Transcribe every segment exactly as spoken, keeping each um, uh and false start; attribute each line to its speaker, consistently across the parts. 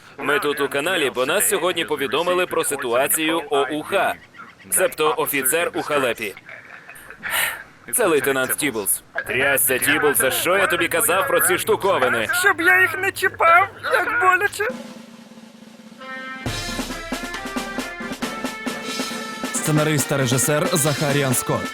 Speaker 1: Ми тут у каналі, бо нас сьогодні повідомили про ситуацію ОУХ, себто офіцер у халепі. Це лейтенант Тіблз. Трясся, Тіблзе, що я тобі казав про ці штуковини?
Speaker 2: Щоб я їх не чіпав, як боляче.
Speaker 3: Сценарист та режисер Захаріан Скотт.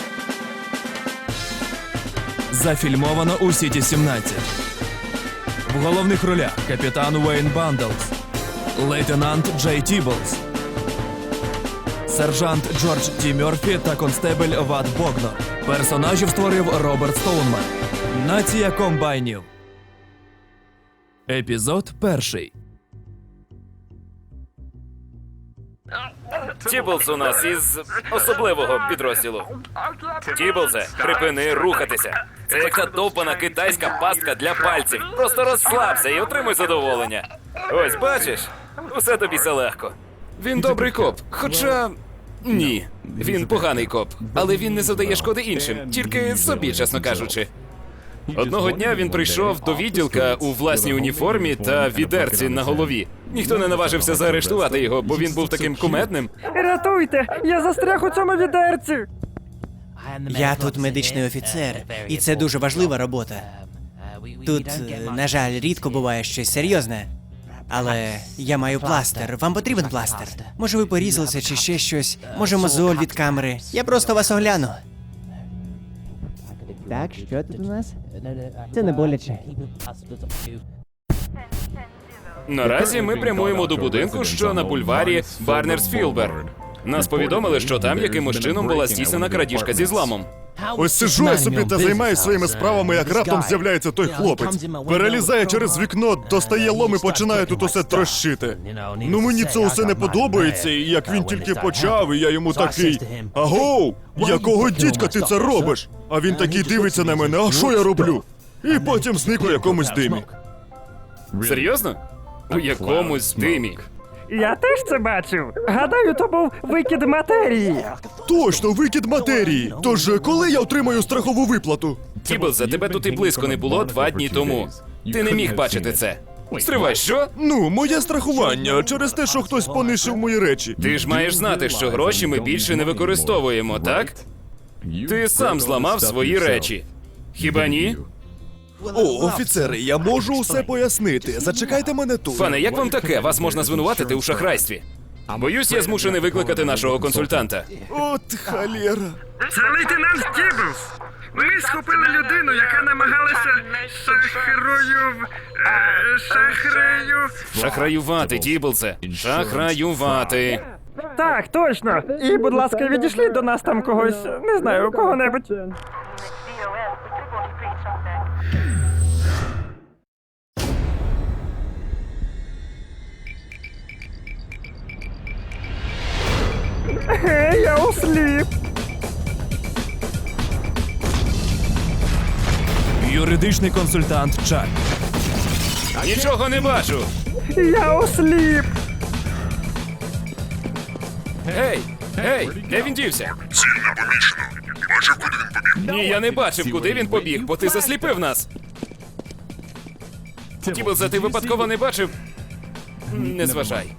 Speaker 3: Зафільмовано у Сіті сімнадцять. В головних ролях капітан Уейн Бандлз, лейтенант Джей Тіблз, сержант Джордж Ті Мьорфі та констебель Ват Богнор. Персонажів створив Роберт Стоунман. Нація комбайнів. Епізод перший.
Speaker 1: Тіблз у нас із особливого підрозділу. Тіблзе, припини рухатися. Це як та довбана китайська пастка для пальців. Просто розслабся і отримуй задоволення. Ось, бачиш? Усе тобі все легко. Він добрий коп, хоча... Ні, він поганий коп, але він не завдає шкоди іншим, тільки собі, чесно кажучи. Одного дня він прийшов до відділка у власній уніформі та відерці на голові. Ніхто не наважився заарештувати його, бо він був таким кумедним.
Speaker 2: Рятуйте, я застряг у цьому відерці.
Speaker 4: Я тут медичний офіцер, і це дуже важлива робота. Тут, е, на жаль, рідко буває щось серйозне. Але я маю пластир. Вам потрібен пластир? Може, ви порізалися чи ще щось? Може, мозоль від камери? Я просто вас огляну. Так, що тут у нас? Це не боляче.
Speaker 1: Наразі ми прямуємо до будинку, що на бульварі Барнерс-Філбер. Нас повідомили, що там якимось чином була здійснена крадіжка зі зламом.
Speaker 5: Ось сиджу я собі та займаюсь своїми справами, як раптом з'являється той хлопець. Перелізає через вікно, достає лом і починає тут усе трощити. Ну мені це усе не подобається, і як він тільки почав, і я йому такий: агоу, якого дідька ти це робиш? А він такий дивиться на мене: а що я роблю? І потім зник у якомусь димі.
Speaker 1: Серйозно? У якомусь димі.
Speaker 2: Я теж це бачив. Гадаю, то був викид матерії.
Speaker 5: Точно, викид матерії. Тож коли я отримаю страхову виплату?
Speaker 1: Тіблзе, тебе тут і близько не було два дні тому. Ти не міг бачити це. Стривай, що?
Speaker 5: Ну, моє страхування через те, що хтось понишив мої речі.
Speaker 1: Ти ж маєш знати, що гроші ми більше не використовуємо, так? Ти сам зламав свої речі. Хіба ні?
Speaker 5: О, офіцери, я можу усе пояснити. Зачекайте мене тут.
Speaker 1: Пане, як вам таке? Вас можна звинуватити у шахрайстві. Боюсь, я змушений викликати нашого консультанта.
Speaker 5: От халєра.
Speaker 2: Це лейтенант Тіблз. Ми схопили людину, яка намагалася шахрою... Е, шахрею...
Speaker 1: Шахраювати, Тіблзе. Шахраювати.
Speaker 2: Так, точно. І, будь ласка, відійшліть до нас там когось, не знаю, кого-небудь. Гей, я осліп.
Speaker 3: Юридичний консультант Чак.
Speaker 1: Нічого не бачу.
Speaker 2: Я осліп.
Speaker 1: Гей, гей, де він дівся?
Speaker 6: Ціль не помічено. Бачив, куди він побіг?
Speaker 1: Ні, я не бачив, куди він побіг, бо ти засліпив нас. Тіблзе, ти випадково не бачив? Не зважай.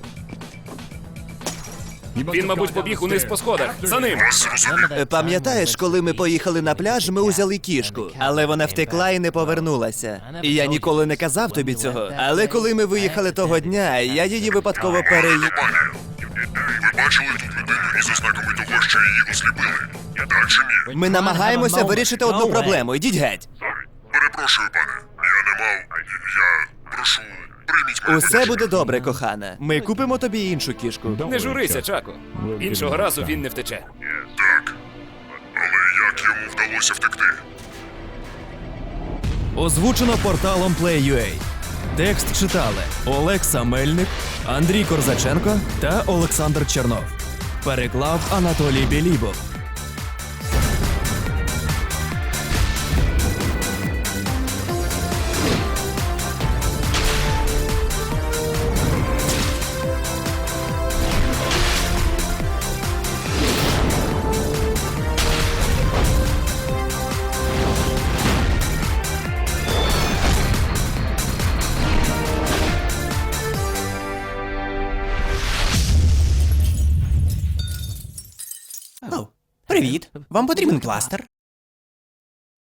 Speaker 1: Він, мабуть, побіг униз по сходах. За ним.
Speaker 7: Пам'ятаєш, коли ми поїхали на пляж, ми узяли кішку, але вона втекла і не повернулася. І я ніколи не казав тобі цього. Але коли ми виїхали того дня, я її випадково переї...
Speaker 6: Ви бачили тут людину із ознаками того, що її осліпили? Далі ні.
Speaker 7: Ми намагаємося вирішити одну проблему. Ідіть геть.
Speaker 6: Перепрошую, пане. Я не мав. Я прошу, прийміть мене.
Speaker 7: Усе буде добре, кохана. Ми купимо тобі іншу кішку.
Speaker 1: Не журися, Чако. Іншого разу він не втече.
Speaker 6: Так. Але як йому вдалося втекти?
Speaker 3: Озвучено порталом Play.ua. Текст читали Олекса Мельник, Андрій Корзаченко та Олександр Чернов. Переклав Анатолій Білібов.
Speaker 4: Привіт. Вам потрібен пластир?